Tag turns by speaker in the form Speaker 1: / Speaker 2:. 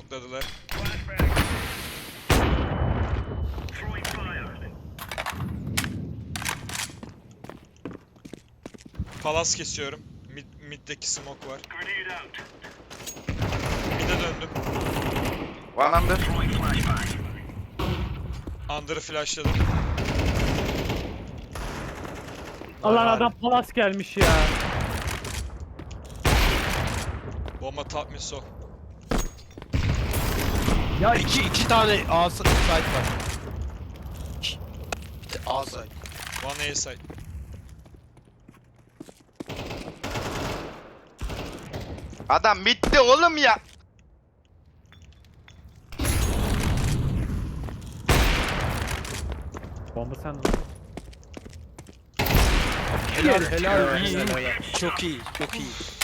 Speaker 1: smokladılar. Palas kesiyorum. Mid'deki smoke var. Mid'e döndüm.
Speaker 2: One under.
Speaker 1: Under'ı flashladım.
Speaker 3: Allah adam palas gelmiş ya.
Speaker 1: Bomba top mid so.
Speaker 4: Ya iki tane A site var. Bir de A site.
Speaker 1: One A side.
Speaker 2: Adam bitti oğlum ya.
Speaker 3: Bomba sende.
Speaker 4: Helal helal.
Speaker 3: İyi, iyi.
Speaker 4: Çok iyi çok iyi.